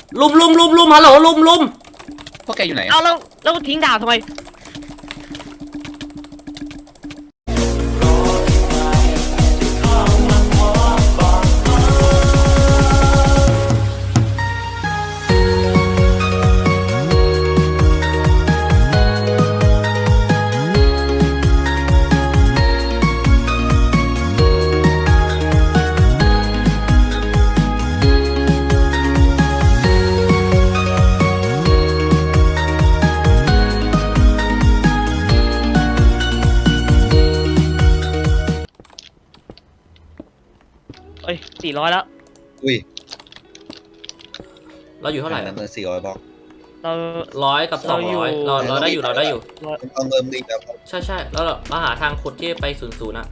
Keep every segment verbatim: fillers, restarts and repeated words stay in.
ลุมลุมลุมลุมฮัลโหลลุมลุมพวกแกอยู่ไหนเอาแล้วแล้วทิ้งดาบทำไมเอ้ยสี่ร้อยแล้วอุ้ยเราอยู่เท่าไหร่นั่นเป็นสี่ร้อยบล็อกเราร้อยกับสองร้อยเราเราได้อยู่เราได้อยู่ต้องเริ่มรีบแล้วใช่ใช่แล้วเราหาทางขุดที่ไปศูนย์ศูนย์อะ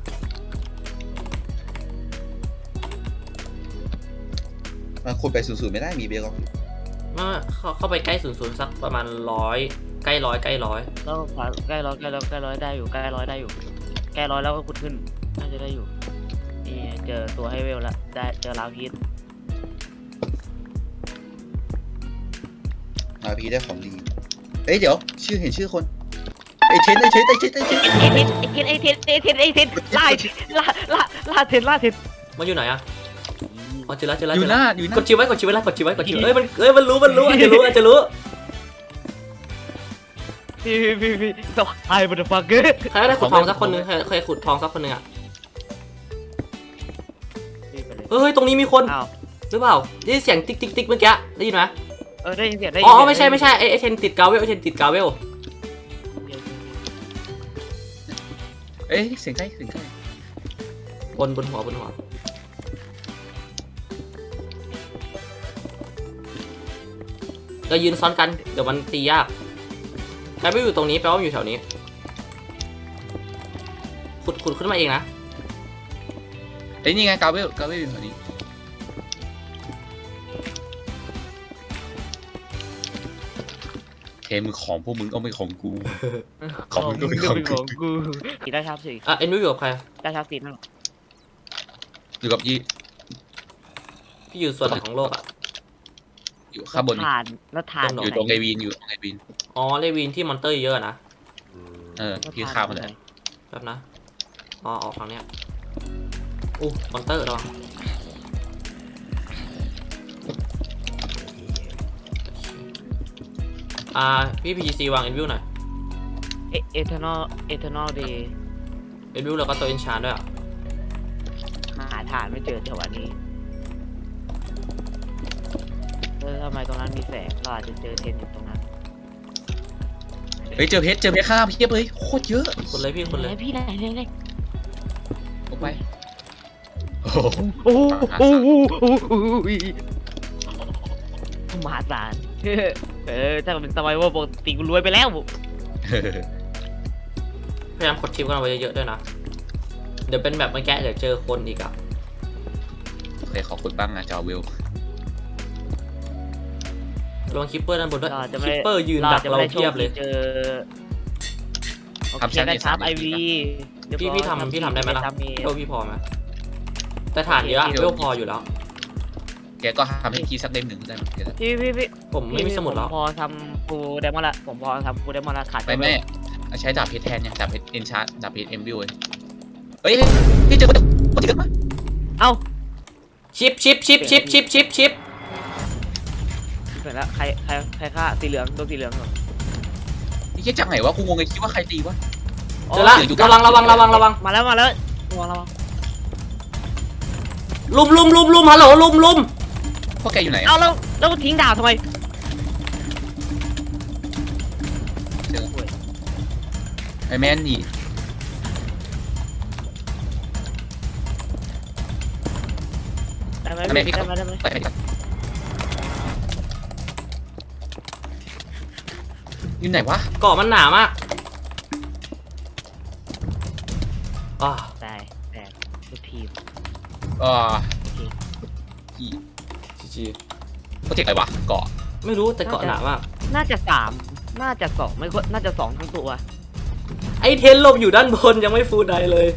มาขุดไปศูนย์ศูนย์ไม่ได้มีเบลล์มาเข้าเข้าไปใกล้ศูนย์ศูนย์สักประมาณร้อยใกล้ร้อยใกล้ร้อยแล้วใกล้ร้อยใกล้ร้อยใกล้ร้อยได้อยู่ใกล้ร้อยได้อยู่ใกล้ร้อยแล้วก็ขุดขึ้นน่าจะได้อยู่นี่เจอตัวให้เวลแล้วได้เจอลาวพีทมาพีได้ของดีเอ้ยเดี๋ยวชื่อเห็นชื่อคนไอเทนไอเทนไอเทนไอเทนไอเทนไอเทนไอเทนไอเทนไอเทนล่าล่าล่าล่าเทนล่าเทนมันอยู่ไหนอะอ๋อเจอแล้วเจอแล้วอยู่หน้าอยู่หน้ากดชิวไว้กดชิวไว้แล้วกดชิวไว้กดชิวเอ้ยมันเอ้ยมันรู้มันรู้อาจจะรู้อาจจะรู้พี่พี่พี่ต่อไอ้บัตรฟักเกอร์ใครได้ขุดทองสักคนนึงเคยขุดทองสักคนนึงอะเฮ้ยตรงนี้มีคนหรือเปล่าได้เสียงติ๊กติ๊กติ๊กเมื่อกี้ได้ยินไหมเออได้ยินเสียงได้อ๋อไม่ใช่ไม่ใช่ไอไอเทนติดกาเวลไอเทนติดกาเวลเอ้ยเสียงใกล้เสียงใกล้บนบนหัวบนหัวเรายืนซ้อนกันเดี๋ยวมันตียากกาเวลอยู่ตรงนี้แปลว่าอยู่แถวนี้ขุดขุดขึ้นมาเองนะเอ้ยนี่ไงกาเวลกาเวลอยู่แถวนี้เคมือของพวกมึงก็ไม่ของกูของมึงก็ไม่ของกูสีได้ครับสิอ่ะเอ็นวิวอยู่กับใครได้ครับสีนั่นอยู่กับยี่พี่อยู่ส่วนไหนของโลกอ่ะอยู่ข้างบนฐานแล้วฐานอยู่ตรงเลวินอยู่ตรงเลวินอ๋อเลวินที่มอนเตอร์เยอะนะเออพี่ข้ามมาเลยแบบนะอ๋อออกทางเนี้ยอู้มอนเตอร์หรออ่าพี่พีจีซีวางเอ็นวิวหน่อยเอเอเทอร์นอลเอเทอร์นอลเดย์เอ็นวิวแล้วก็ตัวเอ็นชาร์ด้วยอ่ะหาฐานไม่เจอแถวนี้เออทำไมตรงนั้นมีแสงเราอาจจะเจอเทนอยู่ตรงนั้นเฮ้ยเจอเพชรเจอเพชรข้ามเพียบเลยโคตรเยอะคนเลยพี่คนเลยพี่ไหนไหนไหนออกไปโอ้โหโอ้โหโอ้โหมหาศาลเออถ้าเป็นสมัยว่าปกติกูรวยไปแล้วพยายามกดชิปกันไว้เยอะๆด้วยนะเดี๋ยวเป็นแบบเมื่อกี้เดี๋ยวเจอคนอีกอ่ะโอเคขอขุดบ้างนะจอวิวลองคิปเปอร์ด้านบนด้วยคิปเปอร์ยืนดักเราเทียบเลยเจอทำชั้นได้ชาร์ปไอวีพี่พี่ทำพี่ทำได้ไหมล่ะเวลพี่พอไหมแต่ฐานเยอะเวลพออยู่แล้วแกก็ทำให้พี่สักเล่มหนึ่งได้ไหมพี่พี่พี่ผมไม่มีสมุดแล้วพอทำฟูเดมอนละผมพอทำฟูเดมอนละขาดไปแม่ใช้ดาบเพชรแทนเนี่ยดาบเพชรเอ็นชาร์ดดาบเพชรเอ็มวิวเลยเฮ้ยพี่เจอคนคนที่เกิดมาเอ้าชิปชิปชิปชิปชิปชิปชิปเสร็จแล้วใครใครใครฆ่าสีเหลืองตัวสีเหลืองเหรอนี่แค่จากไหนวะกูงงเลยคิดว่าใครตีวะเจอละระวังระวังระวังระวังมาแล้วมาแล้วระวังระวังลุมลุมลุมลุมฮัลโหลลุมลุมพวกแกอยู่ไหนเอาแล้วแล้วทิ้งดาบทำไมเจอไอแมนนี่ได้ไหมได้ไหมได้ไหมได้ไหมอยู่ไหนวะเกาะมันหนามากอ่าได้แต่ทุกทีมอ่าจีจีโปรเจกต์อะไรวะเกาะไม่รู้แต่เกาะหนามากน่าจะสามน่าจะสองไม่ค่อยน่าจะสองทั้งตัวไอเทนลมอยู่ด้านบนยังไม่ฟูลไดเลย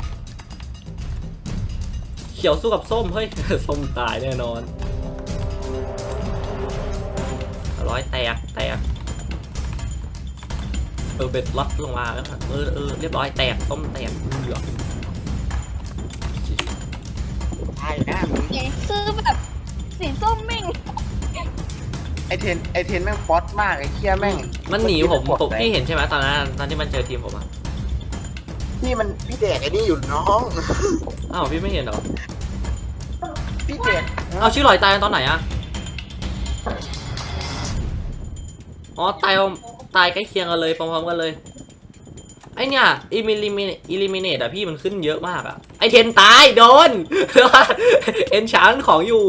เขียวสู้กับส้มเฮ้ยส้มตายแน่นอนร้อยแตกแตกเออเบ็ดล็อตลงมาแล้วเออเออเรียบร้อยแตกส้มแตกเหลือตายนะมึงคือแบบสีส้มแม่งไอเทนไอเทนแม่งป๊อตมากไอเคียแม่งมันหนีผมผมพี่เห็นใช่ไหมตอนนั้นตอนที่มันเจอทีมผมอะพี่มันพี่แดกไอ้นี่อยู่น้องอ้าวพี่ไม่เห็นเหรอพี่แดกเอาชื่อลอยตายตอนไหนอะอ๋อตายตายใกล้เคียงกันเลยพร้อมๆกันเลยไอเนี่ยอิมิลิมิอิลิมิเนตอะพี่มันขึ้นเยอะมากอะไอเทนตายโดน เอนชานของอยู่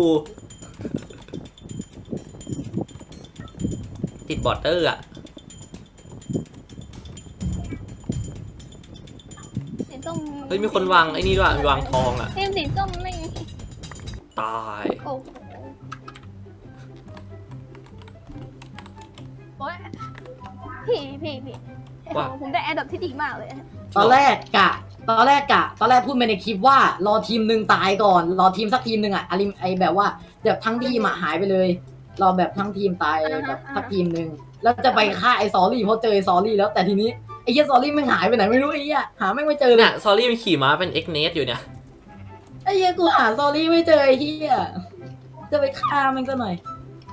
ติดบอร์เตอร์อะสีส้มเฮ้ยมีคนวางไอ้นี่ด้วยมีวางทองอะทีมสีส้มแม่งตายโอ้โหโอ้ยพี่พี่พี่ผมได้แอดดับที่ดีมากเลยตอนแรกกะ ตอนแรกกะ ตอนแรกพูดไปในคลิปว่ารอทีมหนึ่งตายก่อน รอทีมสักทีมหนึ่งอ่ะอะไรไอแบบว่าแบบทั้งทีมอ่ะหายไปเลย รอแบบทั้งทีมตายแบบสักทีมหนึ่งแล้วจะไปฆ่าไอซอรี่เพราะเจอไอซอรี่แล้วแต่ทีนี้ไอเหี้ยซอรี่มันหายไปไหนไม่รู้ไอ้เหี้ยหาแม่งไม่เจอเลเนี่ย ยซอรี่มันขี่ม้าเป็นเอ็กเนสอยู่เนี่ยไอ้เหี้ยกูหาซอรี่ไม่เจอไอ้เหี้ยจะไปฆ่ามันซะหน่อย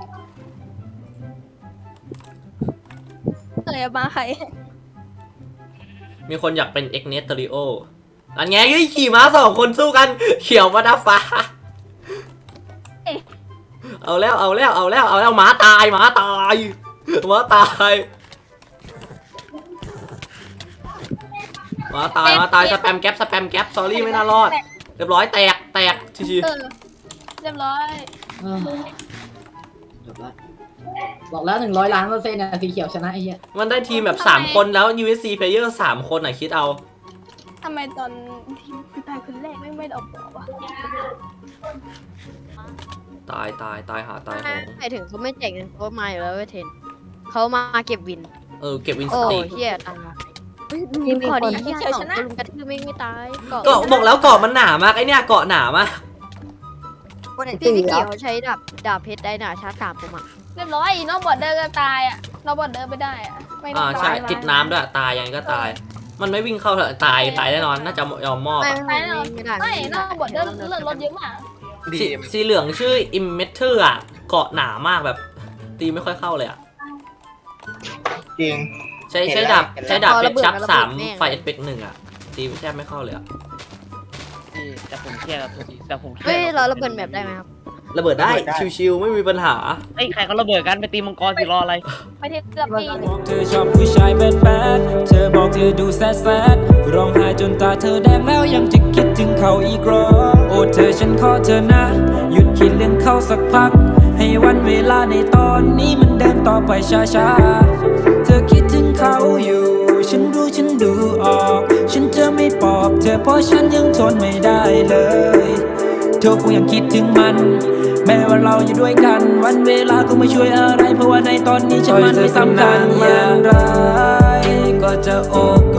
เคยมาใครมีคนอยากเป็นเอ็กเนสเตอริโออันไงเฮ้ยขี่ม้าสองคนสู้กันเขียวมาดาฟ้าเอาแล้วเอาแล้วเอาแล้วเอาแล้วหมาตายหมาตายหมาตายหมาตายหมาตายสแปมแก๊ปสแปมแก๊ปซอรี่ไม่น่ารอดเรียบร้อยแตกแตกชิวเออเรียบร้อยเออจบละบอกแล้วหนึ่งร้อยล้านเปอร์เซ็นต์นะสีเขียวชนะไอ้เหี้ยๆมันได้ทีมแบบสามคนแล้ว ยู เอส ซี player สามคนอ่ะคิดเอาทำไมตอนทีมคือตายคนแรกไม่ไม่ได้ออกบอกวะตายตายตายหาตายโหงหมายถึงเขาไม่แจกเงินเขามาอยู่แล้วเว้ยเทนเขามาเก็บวินเออเก็บวินสโอ้ติกเฮียตายยิงพอดีที่สองตัวลุมกระทืบไม่ไม่ตายเกาะเกาะบอกแล้วเกาะมันหนามากไอเนี่ยเกาะหนามากพี่ไม่เกี่ยวใช้ดาบดาบเพชรได้หนาชาร์จสามผมอ่ะเรียบร้อยนอกบอร์เดอร์ก็ตายอ่ะนอกบอร์เดอร์ไม่ได้อ่ะไม่อ่าได้ใช่ติดน้ำด้วยตายยังไงก็ตาย มันไม่วิ่งเข้าเถอะตายตายแน่นอนน่าจะยอมมอบไม่อะไม่ไม่ได้ไม่นอกบอร์เดอร์เลือดลดเยอะมากดีสีสีเหลืองชื่อ Immeter อ่ะเกาะหนามากแบบ ตีไม่ค่อยเข้าเลยอ่ะจริงใช้ใช้ดาบใช้ดาบเพชรชักสามไฟเอฟเฟกหนึ่งอ่ะ ตีแทบไม่เข้าเลยอ่ะพี่แต่ผมเครียดครับแต่ผมเครีเฮ้ยยดเราระเบิดแบบได้ไหมครับระเบิดได้ชิวๆไม่มีปัญหาเฮ้ยใครเขาระเบิดกันไปตีมังกรสิรออะไรไปเทียบกับปีเธอชอบผู้ชายแบดแบดเธอบอกเธอดูแซดแซดร้องไห้จนตาเธอแดงแล้วยังจะคิดถึงเขาอีกหรอโอ้เธอฉันขอเธอนะหยุดคิดเรื่องเขาสักพักให้วันเวลาในตอนนี้มันเดินต่อไปช้าๆเธอคิดถึงเขาอยู่ฉันรู้ฉันดูออกฉันจะไม่ปลอบเธอเพราะฉันยังทนไม่ได้เลยเธอคงยังคิดถึงมันแม้ว่าเราอยู่ด้วยกันวันเวลาก็ไม่ช่วยอะไรเพราะว่าในตอนนี้ฉันมันไม่สำคัญอย่างไรก็จะโอบก